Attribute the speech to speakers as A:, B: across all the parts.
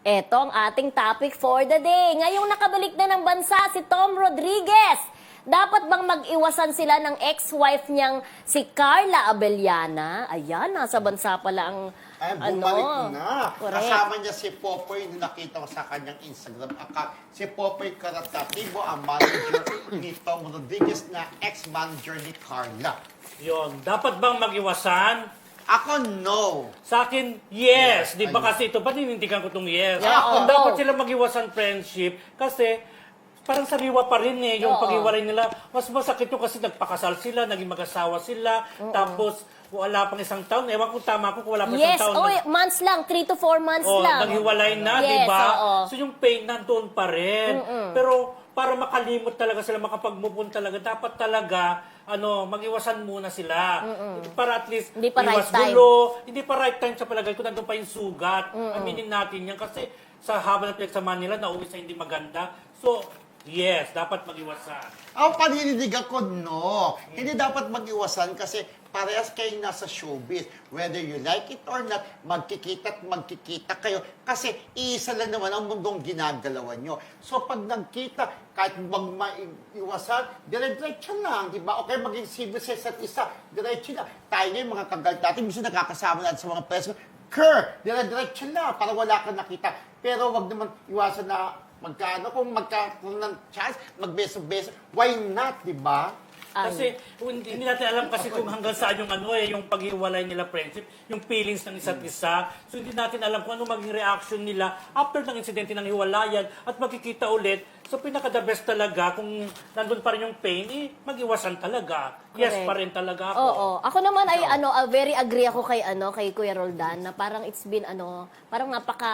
A: Eto ang ating topic for the day. Ngayong nakabalik na ng bansa si Tom Rodriguez. Dapat bang mag-iwasan sila ng ex-wife niyang si Carla Abellana? Ayan, nasa bansa pala ang
B: Ay, bumalik na.
A: Correct.
B: Kasama niya si Popoy na nakita ko sa kanyang Instagram account. Si Popoy Caratativo, ang manager ni Tom Rodriguez na ex-manager ni Carla.
C: Yun. Dapat bang mag-iwasan?
B: Ako, no.
C: Sa akin, yes. Di ba
B: Ayun.
C: kasi ito, panintindigan ko itong yes.
A: Yeah,
C: Kung
A: no.
C: dapat sila mag-iwasan friendship, kasi parang sariwa pa rin yung
A: Oo.
C: pag-iwalay nila. Mas masakit yung kasi nagpakasal sila, naging mag-asawa sila, tapos wala pang isang taon. Ewan kung tama ko kung wala pang
A: Yes,
C: isang taon.
A: months lang, 3 to 4 months lang.
C: Naghiwalay na,
A: Yes,
C: di ba?
A: oo.
C: So yung pain nandoon pa rin. Pero para makalimot talaga sila, makapag-move on talaga, dapat talaga mag-iwasan muna sila. Para at least
A: Hindi pa right
C: iwas
A: time.
C: gulo. Hindi pa right time sa palagay ko, nandun pa yung sugat. Aminin natin yan kasi sa haba ng pinagsamahan nila, nauwi sa hindi maganda. So, yes, dapat mag-iwasan.
B: Ako, panindigan ko, no. Hindi dapat mag-iwasan kasi parehas kayong nasa showbiz. Whether you like it or not, magkikita at magkikita kayo. Kasi iisa lang naman ang mundong ginagalawan nyo. So pag nagkita, kahit bang maiwasan, dire-diretso lang, di ba? Okay, maging civil sa isa't isa, diretso lang. Tayo ngayon, mga kagal natin, gusto nakakasama natin sa mga press. Dire-diretso lang, para wala kang nakita. Pero wag naman iwasan na magkano, kung magkakaroon ng chance, magbeso-beso, why not, di ba?
C: Kasi hindi natin alam kasi kung hanggang saan yung paghiwalay nila friendship, yung feelings ng isa't isa. So hindi natin alam kung ano maging reaction nila after ng insidente ng hiwalayan at magkikita ulit. So pinaka-the best talaga kung nandun pa rin yung pain, mag-iwasan talaga. Yes
A: Correct.
C: pa rin talaga ako.
A: Oo. Ako naman ay very agree ako kay Kuya Roldan na parang it's been parang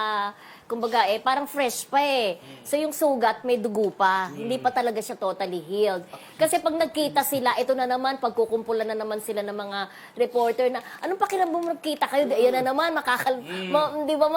A: kumbaga parang fresh pa eh. So yung sugat may dugo pa. Hindi pa talaga siya totally healed. Kasi pag nagkita sila, ito na naman pagkukumpulan na naman sila ng mga reporter na anong pakiramdam mo nagkita kayo? Ayan na naman di ba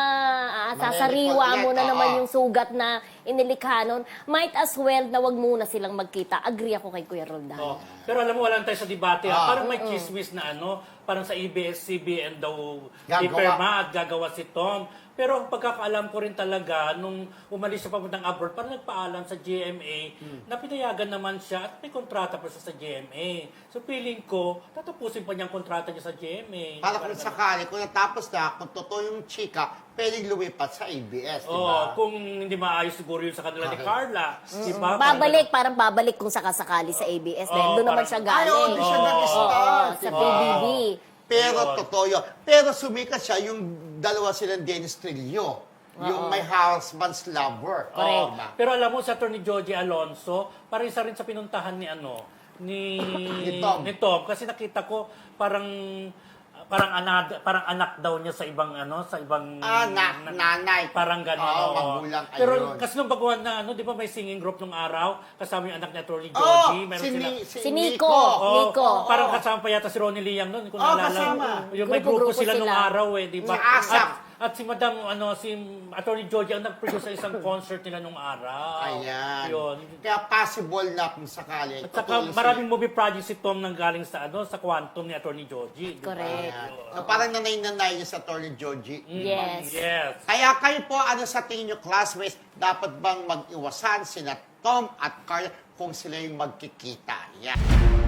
A: sasariwa mo na naman yung sugat na inilikha nun. Might as well na wag muna silang magkita. Agree ako kay Kuya Roldan.
C: Oh. Pero alam mo, wala tayo sa debate. Parang may chismis na parang sa ABS-CBN daw ipirma at gagawa si Tom. Pero ang pagkakaalam ko rin talaga, nung umalis siya papuntang abroad, parang nagpaalam sa GMA na pinayagan naman siya at may kontrata pa siya sa GMA. So feeling ko, tatapusin pa niya ang kontrata niya sa GMA.
B: Para kung sakali, kung natapos na, kung totoo yung chika, pwedeng lumipat sa ABS, di ba?
C: Kung hindi maayos siguro yun sa kanila ni Carla. Di ba?
A: Parang babalik kung sakasakali sa ABS dahil doon naman siya galing.
B: Ayaw, doon siya nag-start.
A: Sa PBB.
B: Pero totoo yun. Pero sumikat siya yung dalawa silang Dennis Trillo. Yung may husband's lover.
A: Correct.
B: Diba?
C: Pero alam mo, sa Atty. Joji Alonso, parang isa rin sa pinuntahan ni
B: Tom.
C: Kasi nakita ko parang anak daw niya sa ibang
B: Nanay.
C: parang gano'n.
B: Oo, magulang.
C: Pero
B: Ayun.
C: kasi nung baguhan na di ba may singing group nung araw kasama yung anak ni Atty. Joji,
B: Oh,
C: meron sila.
A: Si Nico.
C: Oo, parang kasama pa yata si Ronnie Liang noon, kung naalala.
B: kasama.
C: Yung may grupo sila nung araw di ba?
B: Si ASAP.
C: At si Madam, si Atty. George ang nag-produce sa isang concert nila nung araw.
B: Ayan.
C: Yun.
B: Kaya possible na kung sakali.
C: At saka maraming movie project si Tom nang galing sa sa Quantum ni Atty. Georgie.
A: Correct.
B: Ayan. Parang nanay-nanay niya sa Atty. Georgie.
A: Yes.
C: Yes.
B: Kaya kayo po, sa tingin nyo, classmates, dapat bang mag-iwasan sina Tom at Carla kung sila yung magkikita? Yan.